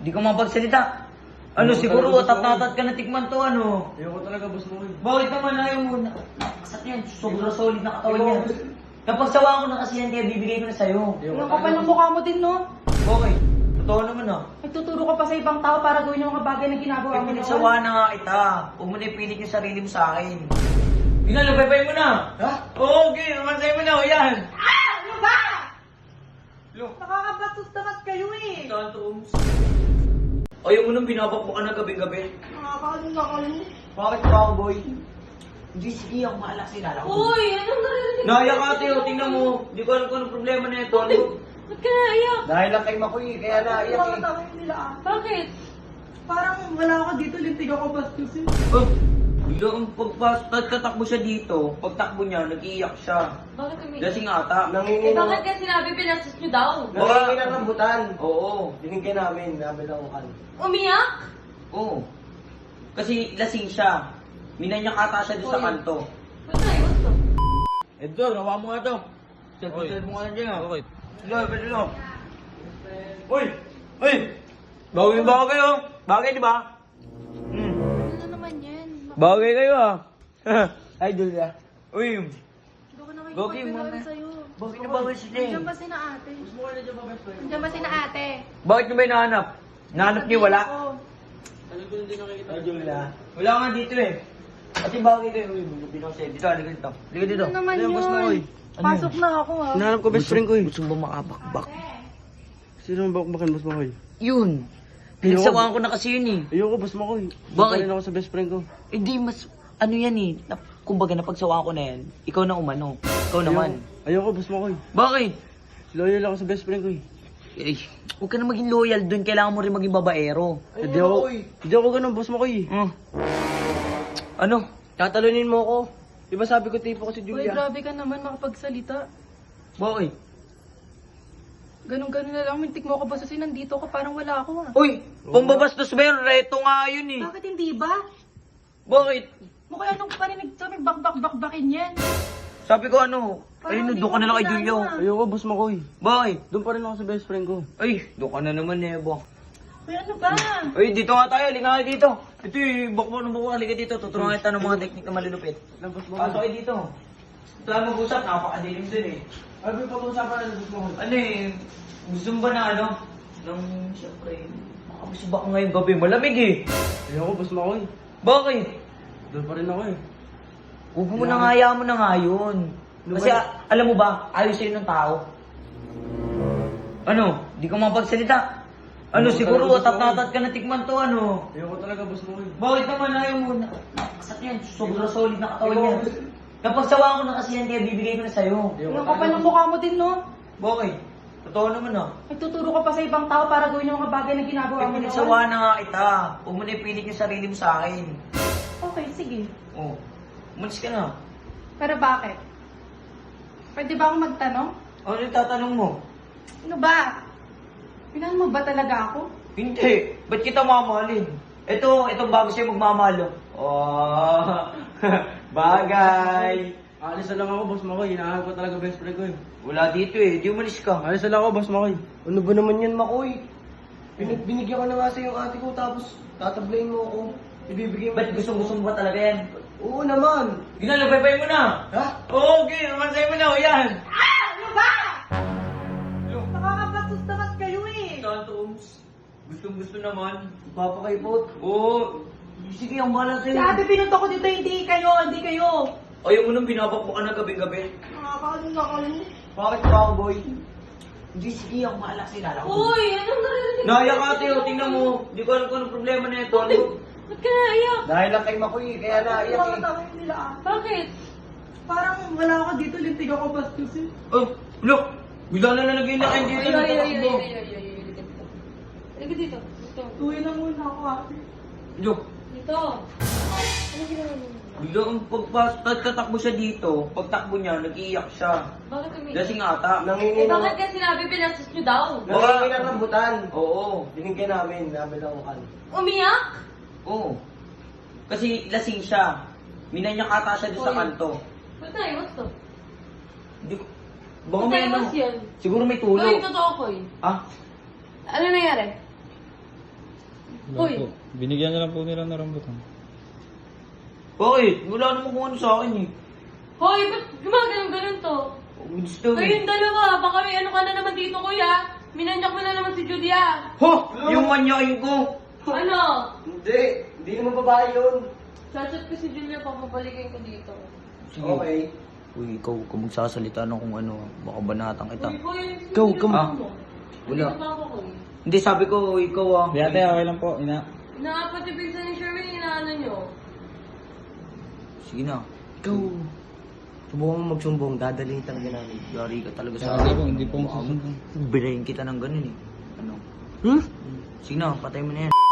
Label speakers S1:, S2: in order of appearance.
S1: Di ka mapagsalita. Ano,
S2: Ayoko
S1: siguro
S2: talaga, boss,
S1: tatat ka na tikman to, ano?
S2: Ayoko talaga, boss mo.
S1: Bakit naman ayaw mo? Nakasat yan, sobrang solid na katawan
S2: Ayoko,
S1: niya.
S2: boss.
S1: Kapag sawaan ko na kasi yan, kaya bibigay ko na sa'yo.
S2: Ayoko
S3: Ang kapal
S2: talaga,
S3: ng
S2: boss.
S3: mukha mo din, no?
S1: Okay, totoo naman ah.
S3: Nagtuturo ka pa sa ibang tao para gawin yung mga bagay na ginagawa
S1: Kaya
S3: mo noon.
S1: pinagsawaan na nga kita. Huwag mo na ipilit yung sarili mo sa akin. Ginalupay mo na.
S2: Ha?
S1: Oo, okay, mansay mo na, o yan.
S3: Ano ba?
S1: Look.
S3: Nakakabastos naman kayo eh.
S1: Tantrums. Ayaw mo nang binabak mo ka na gabi-gabi.
S3: Nakakaano na kayo.
S1: Bakit ka, boy? Hindi, sige, ako mahala sa ilala ko.
S3: Uy, anong narinig?
S1: Naya ka, Teo, tingnan mo. Hindi ko alam kung anong problema na ito. Ano?
S3: Ba't ka naiyak?
S1: Dahil lang kay Makoy, kaya naiyak eh.
S3: Nakakatawa nila ah. Bakit? Parang wala ako dito, lintig ako bastos eh.
S1: Oh, biglang pagtatakbo siya dito, pagtakbo niya, nag-iiyak siya.
S3: Bakit umiyak?
S1: Lasing ata.
S3: Eh bakit ka sinabi pinastos nyo daw?
S1: Nangingi ng rambutan. Oo.
S2: Binigyan namin, nabilangukan.
S3: Umiyak?
S1: Oo. Kasi lasing siya. Minanyak ata siya doon sa kanto.
S3: Ba't naiwas to?
S1: Edgar, nawa mo nga to. Selfie mo nga na dyan. Okay. Hello, hello. Uy! Uy! Bagay kayo. Bagay, di ba? Hmm.
S3: Ano naman yan?
S1: Bagay kayo ah. Idol ya. Uy!
S3: Hindi ko
S1: Gogi,
S3: nakikipagbigawan
S1: mama.
S3: sa'yo.
S1: Bakit na bagay sila eh?
S3: Nandiyan ba sina ate? Nandiyan ba sina ate?
S1: Bakit nyo ba hinahanap? Nahanap niyo wala?
S3: Oo.
S1: Idol ya. Wala nga dito eh. Kasi bagay kayo. Uy, buti na sa'yo. Dito, halika dito. Halika dito.
S3: Ano naman
S2: Ayun, boss mo,
S3: yun?
S2: oy.
S1: Ano
S3: Pasok na ako ah.
S2: Hinahanap ko best friend ko eh.
S1: Gusto mo ba makabakbak?
S2: Sino ang bakbakan, boss mo ko eh?
S1: Yun. Pinagsawaan ko na kasi yun eh.
S2: Ayoko, boss mo ko eh.
S1: Bakit?
S2: Bakit? Rin ako sa best friend ko.
S1: Hindi, mas, ano yan eh. Kumbaga, napagsawaan ko na yan. Ikaw na umano. Ikaw naman.
S2: Ayoko, boss mo ko eh.
S1: Bakit?
S2: Loyal ako sa best friend ko eh.
S1: Eh, huwag ka na maging loyal dun. Kailangan mo rin maging babaero.
S2: Hindi ako ganun, boss mo ko eh.
S1: Hmm. Ano?
S2: Tatalunin mo ako. Di ba sabi ko tipo ko si
S3: Uy,
S2: Julia?
S3: grabe ka naman makapagsalita.
S1: Bakit?
S3: Ganun-ganun na lang, mintik mo ako basasin, nandito ka, parang wala ako ah.
S1: Uy, pambabastos ba yun? Reto nga yun eh.
S3: Bakit hindi ba?
S1: Bakit?
S3: Mukha anong parinig sa may bakbakin yan.
S1: Sabi ko ano, ay,
S3: Parang
S1: doon ka na lang kay
S3: hindi ko
S1: Julio.
S3: kilala.
S2: Ayoko, boss mo ko eh.
S1: Bakit?
S2: Doon pa rin ako sa best friend ko.
S1: Ay, doon ka na naman eh, bo.
S3: Uy, ano ba?
S1: Ay, dito nga tayo, halika nga dito. Ito eh, bakbo ng buko, halika dito. Tuturuan kita ng mga teknik na malulupit.
S2: Lang, boss mo ko.
S1: Pasok kayo dito. Saan mag-usap, napakadilim dun eh.
S2: Ano yung pag-uusapan ng boss mo ko?
S1: Ano eh, gusto mo ba na ano? Nang, siyempre, makabusibak ka ngayong gabi, malamig eh.
S2: Ayoko, boss mo ko eh.
S1: Bakit?
S2: Doon pa rin ako eh.
S1: Huwag mo na nga, hayaan mo na nga yun. Kasi alam mo ba, ayaw sa'yo ng tao. Ano, di ka mapagsalita. Ano,
S2: Ayoko
S1: siguro
S2: talaga, boss mo.
S1: tatat ka na tikman to, ano.
S2: Ayoko talaga, boss mo ko eh.
S1: Bakit naman ayaw mo? Nakasat yan, sobrang solid na katawan niya. Kapag sawaan ko na kasi yan, kaya bibigay ko na sa'yo.
S3: Ang kapal ng mukha mo din, no?
S1: Bakit? Totoo naman ah.
S3: Nagtuturo ka pa sa ibang tao para gawin yung mga bagay na ginagawa
S1: Kaya
S3: mo noon.
S1: pinagsawaan na nga kita. Huwag mo na ipilit yung sarili mo sa akin.
S3: Okay, sige.
S1: Oh, umalis ka na.
S3: Pero bakit? Pwede ba akong magtanong?
S1: Ano yung tatanong mo?
S3: Ano ba? Minahal mo ba talaga ako?
S1: Hindi. Ba't kita mamahalin? Itong bago sa'yo magmamahal. Oh, bagay.
S2: Alis na lang ako, boss mo ko eh. Hinahanap ko talaga best friend ko eh.
S1: Wala dito eh. Di umalis ka.
S2: Alis na lang ako, boss mo ko eh. Ano ba naman yan, Makoy? Binigyan ko na nga sa yung ate ko, tapos tatablayin mo ako. Ibibigay mo.
S1: Ba't gusto mo ba talaga yan?
S2: Oo naman.
S1: Ginalabay mo na.
S2: Ha?
S1: Oo, okay. Naman sa'yo mo na. O yan.
S3: Ano ba? Nakakabastos naman kayo eh.
S1: Tantrums. Gusto naman.
S2: Papakaipot.
S1: Oo. Sige, ang bahala
S3: Si
S1: sa'yo.
S3: ate pinunta ko dito, hindi kayo.
S1: Ayaw mo nang binabak mo ka na gabi-gabi.
S3: Nakakaano na kayo.
S1: Bakit ka, boy? Hindi, sige. Ako mahala sa ilala ko.
S3: Uy, anong narinig?
S1: Naya ka, Teo. Tingnan mo. Hindi ko alam kung anong problema na ito. Ano?
S3: Ba't ka naiyak?
S2: Dahil lang kay Makoy, kaya naiyak eh.
S3: Nakakatawa nila ah. Bakit? Parang wala ako dito, lintig ako bastos eh.
S1: Oh, look. Bigla na nalagay na kayo dito. Nagtatakbo.
S3: Halika dito. Uwi na muna ako ate.
S1: Look.
S3: Dito. Ano ginawa mo?
S1: Bigla ang pagtatakbo siya dito. Pagtakbo niya, nag-iiyak siya.
S3: Bakit umiyak?
S1: Lasing ata.
S2: Nangingi
S3: Eh bakit ka sinabi pinastos nyo daw?
S2: Nangingi ng rambutan.
S1: Oo.
S2: Binigyan namin, nabilangukan.
S3: Umiyak?
S1: Oo. Kasi lasing siya. Minanyak ata siya doon sa
S3: Oy.
S1: kanto.
S3: Ba't naiwas to?
S1: Hindi ko... Baka
S3: Ba't
S1: may ano.
S3: naiwas yan?
S1: Siguro may tulo.
S3: Uy, totoo ko eh.
S1: Ah?
S3: Ano nangyari?
S4: Wala
S3: Uy.
S4: po. Binigyan na lang po nila ng rambutan.
S1: Bakit? Wala naman kung ano sa akin eh.
S3: Hoy, ba't gumaganon-ganon to?
S1: Gusto eh.
S3: Kayong dalawa, baka may ano ka na naman dito, kuya. Minanyak mo na naman si Judy, ah.
S1: Ho! Yung manyakin ko!
S3: Ano?
S2: Hindi naman babae yun.
S3: Chat-chat ko si Julia, papabalikin ko dito.
S1: Sige.
S2: Okay.
S1: Uy, ikaw, kung magsasalita na kung ano, baka banatang kita.
S3: Uy, hoy,
S2: Go,
S3: sino
S2: come.
S3: ba mo?
S1: Wala.
S3: Dito pa ako, Koy.
S1: Hindi, sabi ko, ikaw ah.
S4: Di ate, okay lang po.
S3: Inaapat yung pinsan ni Sherwin, inaano nyo.
S1: Sige na.
S2: Ikaw. Subukan mo magsumbong, dadalhin talaga namin.
S1: Yari ka talaga sa
S4: Hindi po, hindi po magsusumbong.
S1: Birayin kita ng ganun eh. Ano?
S2: Hmm?
S1: Sige na, patay mo na yan.